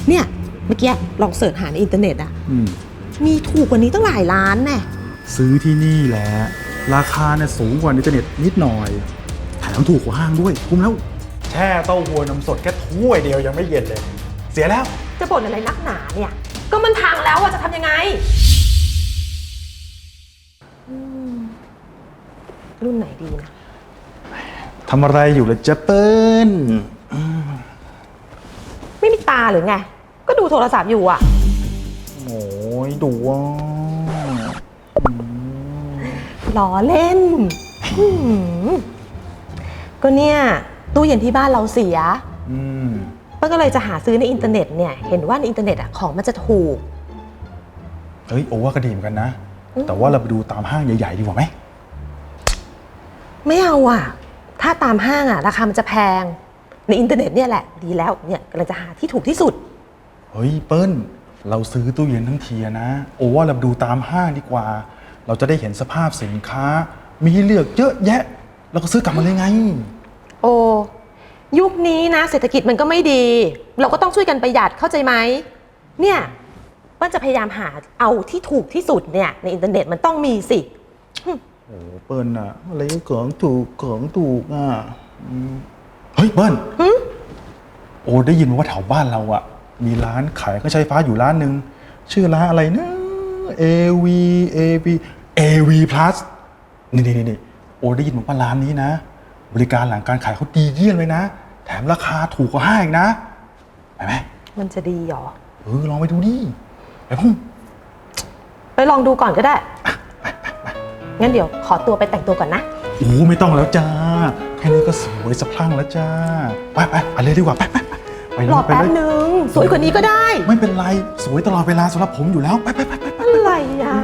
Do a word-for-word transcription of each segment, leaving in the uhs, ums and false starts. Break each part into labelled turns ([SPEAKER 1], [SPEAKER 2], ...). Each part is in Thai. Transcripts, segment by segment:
[SPEAKER 1] เนี่ยเมื่อกี้ลองเสิร์ชหาในอินเทอร์เน็ตอะมีถูกกว่านี้ตั้งหลายล้านแน่
[SPEAKER 2] ซื้อที่นี่แหละราคาเนี่ยสูงกว่าในอินเทอร์เน็ตนิดหน่อยแถมถูกกว่าห้างด้วยคุ้มแล้วแช่เต้าหู้น้ำสดแค่ถ้วยเดียวยังไม่เย็นเลยเสียแล้ว
[SPEAKER 1] จะบ่นอะไรนักหนาเนี่ยก็มันพังแล้วอะจะทำยังไงรุ่นไหนดีนะ
[SPEAKER 2] ทำอะไรอยู่ล่ะเจ๊เปิ้ล
[SPEAKER 1] ไม่มีตาหรือไงก็ดูโทรศัพท์อยู่อะ
[SPEAKER 2] โอ้ยดูว่า
[SPEAKER 1] ล้อเล่นก็เนี่ยตู้เย็นที่บ้านเราเสียป้าก็เลยจะหาซื้อในอินเทอร์เน็ตเนี่ยเห็นว่าในอินเทอร์เน็ตอะของมันจะถูก
[SPEAKER 2] เฮ้ยโอ้ว่าก็ดีเหมือนกันนะแต่ว่าเราไปดูตามห้างใหญ่ๆดีกว่าไหม
[SPEAKER 1] ไม่เอาอ่ะถ้าตามห้างอ่ะราคามันจะแพงในอินเทอร์เน็ตเนี่ยแหละดีแล้วเนี่ยกำลังจะหาที่ถูกที่สุด
[SPEAKER 2] เฮ้ยเปิ้ลเราซื้อตู้เย็นทั้งทีนะโอ้ว่าเราดูตามห้างดีกว่าเราจะได้เห็นสภาพสินค้ามีให้เลือกเยอะแยะเราก็ซื้อกลับมาเลยไง
[SPEAKER 1] โอ้ยุคนี้นะเศรษฐกิจมันก็ไม่ดีเราก็ต้องช่วยกันประหยัดเข้าใจไหมเนี่ยป้าจะพยายามหาเอาที่ถูกที่สุดเนี่ยในอินเทอร์เน็ตมันต้องมีสิ
[SPEAKER 2] โอ้เปิ้ลอะอะไรก็ของถูกของถูกอ่ะเฮ้ยเปิ้ลโอ้ได้ยินว่าแถวบ้านเราอะมีร้านขายเครื่องใช้ไฟฟ้าอยู่ร้านหนึ่งชื่อร้านอะไรนะ เอ วี เอ วี เอ วี Plus นี่นี่นี่โอ้ได้ยินว่าร้านนี้นะบริการหลังการขายเขาดีเยี่ยมเลยนะแถมราคาถูกกว่าห้างอีกนะไปไหม
[SPEAKER 1] มันจะดีหรอ
[SPEAKER 2] เออลองไปดูดิไปพุ่ง
[SPEAKER 1] ไปลองดูก่อนก็ได้งั้นเดี๋ยวขอตัวไปแต่งตัวก่อนนะ
[SPEAKER 2] โอ้ไม่ต้องแล้วจ้าแค่นี้ก็สวยสะพรั่งแล้วจ้าไปไปอะไรดีกว่าไปไป
[SPEAKER 1] ไปรอแป๊บนึงสวยกว่านี้ก็ได้
[SPEAKER 2] ไม่เป็นไรสวยตลอดเวลาสำหรับผมอยู่แล้วไปไปไปไป
[SPEAKER 1] อะไรอ่ะ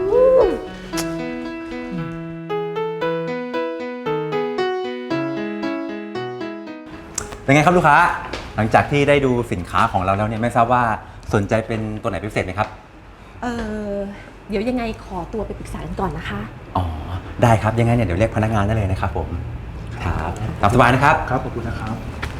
[SPEAKER 3] เป็นไงครับลูกค้าหลังจากที่ได้ดูสินค้าของเราแล้วเนี่ยไม่ทราบว่าสนใจเป็นตัวไหนพิเศษไหมครับ
[SPEAKER 1] เออเดี๋ยวยังไงขอตัวไปปรึกษากันก่อนนะคะ
[SPEAKER 3] อ๋อได้ครับยังไงเนี่ยเดี๋ยวเรียกพนักงานได้เลยนะครับผมครับตามสบายนะครับ
[SPEAKER 2] ครับขอบคุณนะครับ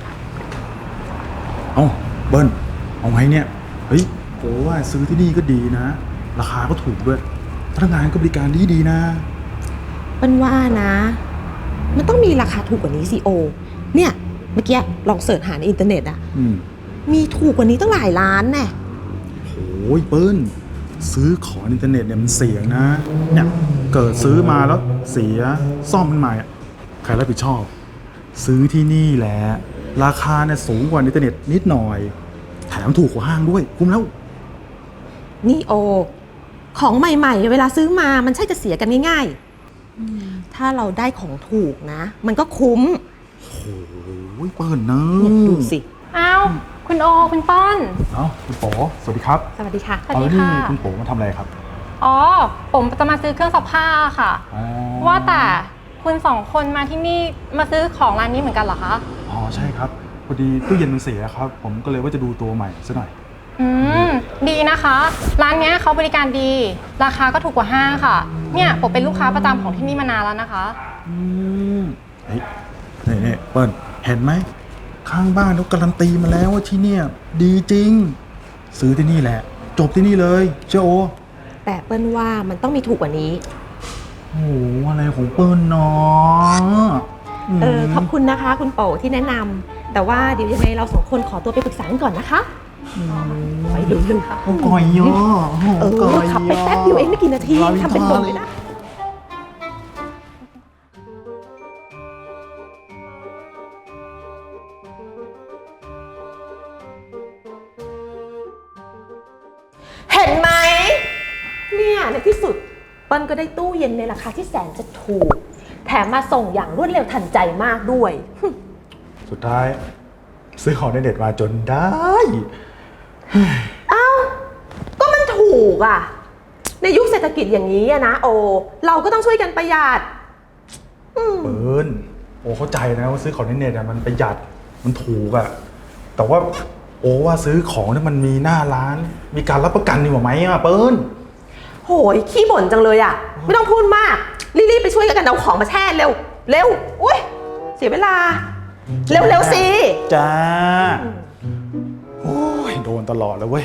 [SPEAKER 2] เอ้าเบิ้ลเอาไงเนี่ยเฮ้ยโอ้ว่าซื้อที่นี่ก็ดีนะราคาก็ถูกด้วยพนักงานก็บริการดีดีนะ
[SPEAKER 1] เปิ้ลว่านะมันต้องมีราคาถูกกว่านี้สิโอเนี่ยเมื่อกี้ลองเสิร์ชหาในอินเทอร์เน็ตอะมีถูกกว่านี้ตั้งหลายล้านแน่
[SPEAKER 2] โอ้ยเปิ้ลซื้อของอินเทอร์เน็ตเนี่ยมันเสี่ยงนะเนี่ยเกิดซื้อมาแล้วเสียซ่อมมันใหม่ใครรับผิดชอบซื้อที่นี่แหละราคาเนี่ยสูงกว่าอินเทอร์เน็ตนิดหน่อยแถมถูกกว่าห้างด้วยคุ้มแล้ว
[SPEAKER 1] นี่โอของใหม่ๆเวลาซื้อมามันใช่จะเสียกันง่ายๆถ้าเราได้ของถูกนะมันก็คุ้ม
[SPEAKER 2] โอ้ยเปิ้ลนะ
[SPEAKER 1] ดูสิ
[SPEAKER 4] อ้าวคุณโอคุณป้อน
[SPEAKER 2] เอ้าคุณโป๋สวัสดีครับ
[SPEAKER 1] สวัสดีค่ะ
[SPEAKER 4] สวัสดีค่ะ
[SPEAKER 2] คุณโป๋มาทำอะไรครับ
[SPEAKER 4] อ๋อผมจะมาซื้อเครื่องซักผ้าค่ะว่าแต่คุณสองคนมาที่นี่มาซื้อของร้านนี้เหมือนกันเหรอคะ
[SPEAKER 2] อ๋อใช่ครับพอดีตู้เย็นมันเสียครับผมก็เลยว่าจะดูตัวใหม่ซะหน่อย
[SPEAKER 4] อืมดีนะคะร้านนี้เขาบริการดีราคาก็ถูกกว่าห้างค่ะเนี่ยผมเป็นลูกค้าประจำของที่นี่มานานแล้วนะคะ
[SPEAKER 2] อืมเฮ้ยนี่เปิ้ลเห็นไหมข้างบ้านเขาการันตีมาแล้วว่าที่เนี่ยดีจริงซื้อที่นี่แหละจบที่นี่เลยเจ้าโอ
[SPEAKER 1] แต่เปิ้ลว่ามันต้องมีถูกกว่านี้
[SPEAKER 2] โอ้อะไรของเปิ้ลเนาะ
[SPEAKER 1] เออขอบคุณนะคะคุณโป๋ที่แนะนำแต่ว่าเดี๋ยวยังไงเราสองคนขอตัวไปปรึกษากันก่อนนะคะไปดูเลยค่ะ
[SPEAKER 2] โอ้ก่อยย่อ
[SPEAKER 1] เออขับไปแป๊บเดียวเองไม่กี่นาทีทำเป็นบ่นเลยนะเห็นไหมเนี่ยในที่สุดเปิ้ลก็ได้ตู้เย็นในราคาที่แสนจะถูกแถมมาส่งอย่างรวดเร็วทันใจมากด้วย
[SPEAKER 2] สุดท้ายซื้อของในเน็ตมาจนได้
[SPEAKER 1] เอ้าก็มันถูกอ่ะในยุคเศรษฐกิจอย่างนี้นะโอเราก็ต้องช่วยกันประหยัด
[SPEAKER 2] เปิ้ลโอเข้าใจนะว่าซื้อของในเน็ตมันประหยัดมันถูกอ่ะแต่ว่าโอ้ว่าซื้อของที่มันมีหน้าร้านมีการรับประกันดีกว่าไหมอ่ะเปิ้ล
[SPEAKER 1] โหยขี้บ่นจังเลยอ่ะไม่ต้องพูดมากรีบๆไปช่วยกันเอาของมาแช่เร็วเร็วอุ้ยเสียเวลาเร็วๆสิ
[SPEAKER 2] จ้าโอ้ยโดนตลอดเลยเว้ย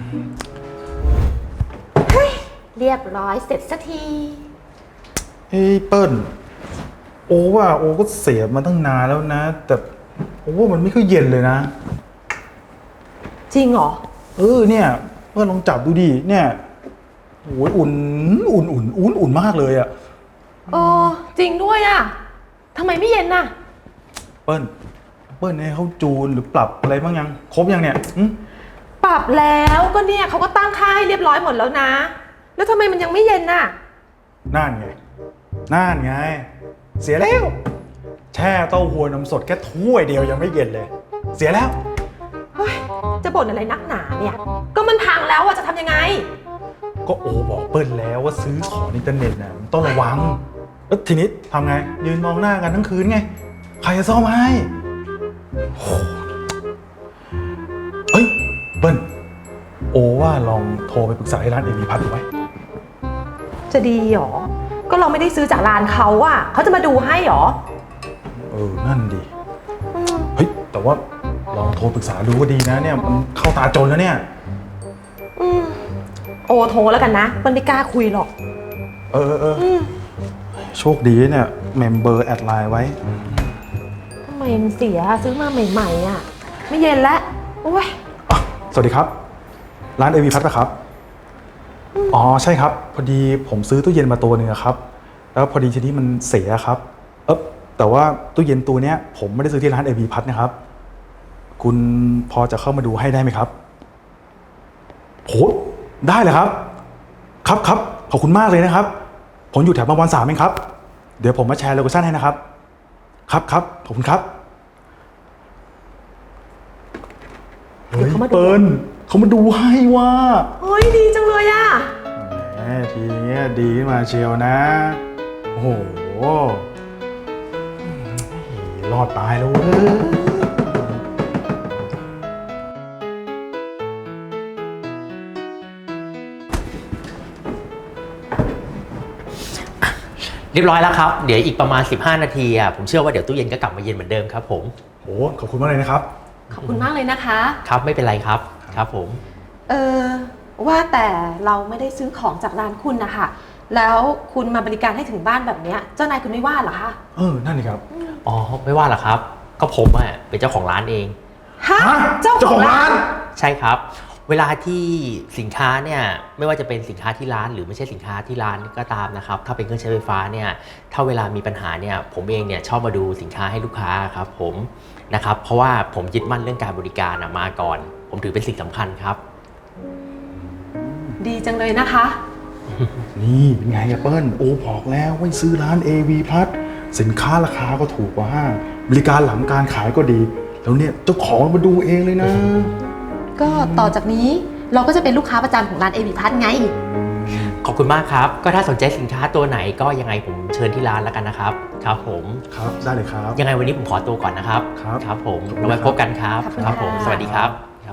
[SPEAKER 1] เรียบร้อยเสร็จสักที
[SPEAKER 2] เฮ้ยเปิ้ลโอ้ว่าโอ้ก็เสียมาตั้งนานแล้วนะ แต่โอ้ว่ามันไม่ค่อยเย็นเลยนะ
[SPEAKER 1] จริงเหรอ
[SPEAKER 2] เออเนี่ยเปิ้ลลองจับดูดิเนี่ยโอ้ยอุ่นอุ่นอุ่นอุ่นอุ่นมากเลยอะ
[SPEAKER 1] เออจริงด้วยอะทำไมไม่เย็นน่ะ
[SPEAKER 2] เปิ้ลเปิ้ลให้เขาจูนหรือปรับอะไรบ้างยังครบยังเนี่ยหึ
[SPEAKER 1] ปรับแล้วก็เนี่ยเขาก็ตั้งค่าให้เรียบร้อยหมดแล้วนะ แล้วทำไมมันยังไม่เย็นน่ะ
[SPEAKER 2] นั่นไงนั่นไง เสียแล้ว แช่เต้าหู้น้ำสดแค่ถ้วยเดียวยังไม่เย็นเลย เสียแล้ว
[SPEAKER 1] เฮ้ย จะบ่นอะไรนักหนาเนี่ย ก็มันพังแล้วอะจะทำยังไง
[SPEAKER 2] ก็โอบอกเปิ้ลแล้วว่าซื้อของอินเทอร์เน็ตน่ะมันต้องระวังแล้วทีนี้ทำไงยืนมองหน้ากันทั้งคืนไงใครจะซ่อมให้โอ้เฮ้ยเปิ้ลโอว่าลองโทรไปปรึกษาให้ร้านเอวีพัทดูไหม
[SPEAKER 1] จะดีหรอ ก็เราไม่ได้ซื้อจากร้านเขาอะเขาจะมาดูให้หรอ
[SPEAKER 2] เออนั่นดิ
[SPEAKER 1] อืม
[SPEAKER 2] เฮ้ยแต่ว่าลองโทรปรึกษาดูก็ดีนะเนี่ยมันเข้าตาจนแล้วเนี่ย
[SPEAKER 1] อืมโอโทรแล้วกันนะมันไม่กล้าคุยหรอก
[SPEAKER 2] เออเออเออ
[SPEAKER 1] อืม
[SPEAKER 2] โชคดีเนี่ยเมมเบอร์แอดไลน์ไว้
[SPEAKER 1] ทำไมมันเสียซื้อมาใหม่ๆอะไม่เย็นแล้วโอ้ย
[SPEAKER 2] อ่ะสวัสดีครับ ร้านเอวีพัทนะครับ อ๋อใช่ครับ พอดีผมซื้อตู้เย็นมาตัวหนึ่งอะครับ แล้วพอดีทีนี้มันเสียครับ เออแต่ว่าตู้เย็นตัวเนี้ย ผมไม่ได้ซื้อที่ร้านเอวีพัทนะครับ คุณพอจะเข้ามาดูให้ได้ไหมครับโหได้เลยครับ ครับครับขอบคุณมากเลยนะครับ ผมอยู่แถวบางบอนสามเองครับ เดี๋ยวผมมาแชร์โลเคชั่นให้นะครับ ครับครับขอบคุณครับ
[SPEAKER 1] เดี๋ยวเขามาดู
[SPEAKER 2] เปิ้ลเขามาดูให้ว่า
[SPEAKER 1] เฮ้ยดีจังเลยอะ
[SPEAKER 2] แหมทีเนี้ยดีขึ้นมาเชียวนะ โอ้โหรอดตายแล้วเว้ย
[SPEAKER 5] เรียบร้อยแล้วครับ เดี๋ยวอีกประมาณสิบห้านาทีอ่ะผมเชื่อว่าเดี๋ยวตู้เย็นก็กลับมาเย็นเหมือนเดิมครับผม
[SPEAKER 2] โหขอบคุณมากเลยนะครับ
[SPEAKER 1] ขอบคุณมากเลยนะคะ
[SPEAKER 5] ครับไม่เป็นไรครับครับผม
[SPEAKER 1] เออว่าแต่เราไม่ได้ซื้อของจากร้านคุณนะคะแล้วคุณมาบริการให้ถึงบ้านแบบเนี้ยเจ้านายคุณไม่ว่าเหรอคะ
[SPEAKER 2] เออ นั่นนี่ครับ
[SPEAKER 5] อ๋อไม่ว่าหรอกครับ ก็ผมอ่ะเป็นเจ้าของร้านเอง
[SPEAKER 1] ฮะ
[SPEAKER 2] ฮะ
[SPEAKER 1] เจ้าของร้าน
[SPEAKER 5] ใช่ครับ เวลาที่สินค้าเนี่ยไม่ว่าจะเป็นสินค้าที่ร้านหรือไม่ใช่สินค้าที่ร้านก็ตามนะครับถ้าเป็นเครื่องใช้ไฟฟ้าเนี่ยถ้าเวลามีปัญหาเนี่ยผมเองเนี่ยชอบมาดูสินค้าให้ลูกค้าครับผมนะครับเพราะว่าผมยึดมั่นเรื่องการบริการมาก่อน ผมถือเป็นสิ่งสำคัญครับ
[SPEAKER 1] ดีจังเลยนะคะ
[SPEAKER 2] นี่เป็นไงอะเปิ้ลโอ้บอกแล้วว่าซื้อร้าน เอ วี พัทสินค้าราคาก็ถูกกว่าห้างบริการหลังการขายก็ดี แล้วเนี่ยเจ้าของมาดูเองเลยนะ
[SPEAKER 1] ก็ต่อจากนี้เราก็จะเป็นลูกค้าประจำของร้านเอวิพัทไง
[SPEAKER 5] ขอบคุณมากครับก็ถ้าสนใจสินค้าตัวไหนก็ยังไงผมเชิญที่ร้านแล้วกันนะครับครับผม
[SPEAKER 2] ครับได้เลยครับ
[SPEAKER 5] ยังไงวันนี้ผมขอตัวก่อนนะครับ
[SPEAKER 2] ครับ
[SPEAKER 5] ครับผม
[SPEAKER 2] ขอบคุณ
[SPEAKER 5] เราไว้พบกันครับ
[SPEAKER 1] ขอบคุณ
[SPEAKER 5] ครับผม
[SPEAKER 1] ค่ะ
[SPEAKER 5] สวัสดีครับครับ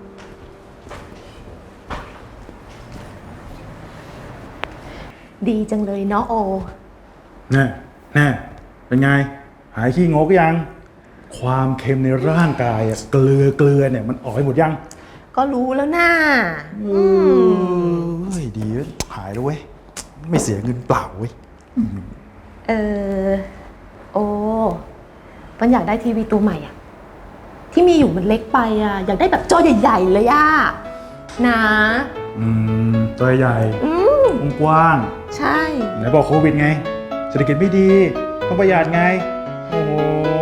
[SPEAKER 1] ดีจังเลยเนาะโอ
[SPEAKER 2] แน่แน่เป็นไง หายขี้งกยัง ความเค็มในร่างกายอะเกลือเกลือเนี่ยมันออกไปหมดยัง
[SPEAKER 1] ก็รู้แล้วน่า
[SPEAKER 2] เฮ้ยดีเว้ยหายแล้วเว้ย ไม่เสียเงินเปล่าเว้ย
[SPEAKER 1] เออโอมันอยากได้ทีวีตัวใหม่อะที่มีอยู่มันเล็กไปอะอยากได้แบบจอใหญ่ๆเลยอะนะ
[SPEAKER 2] อืม ตัวใหญ่
[SPEAKER 1] อืม
[SPEAKER 2] กว้าง
[SPEAKER 1] ใช่
[SPEAKER 2] ๆไหนบอกโควิดไง เศรษฐกิจไม่ดี ต้องประหยัดไง โอ้โห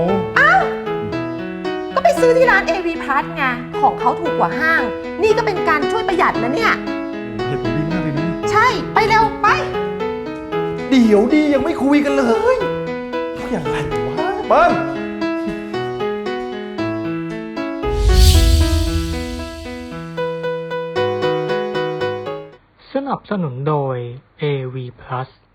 [SPEAKER 1] ก็ไปซื้อที่ร้าน เอ วี Plus ไงของเขาถูกกว่าห้าง นี่ก็เป็นการช่วยประหยัดนะเนี่ย
[SPEAKER 2] เหตุผลดีมากเลยนะ
[SPEAKER 1] ใช่ไปเร็วไป
[SPEAKER 2] เดี๋ยวดียังไม่คุยกันเลยอย่างไรวะเปิ้ล
[SPEAKER 6] สนับสนุนโดย เอ วี Plus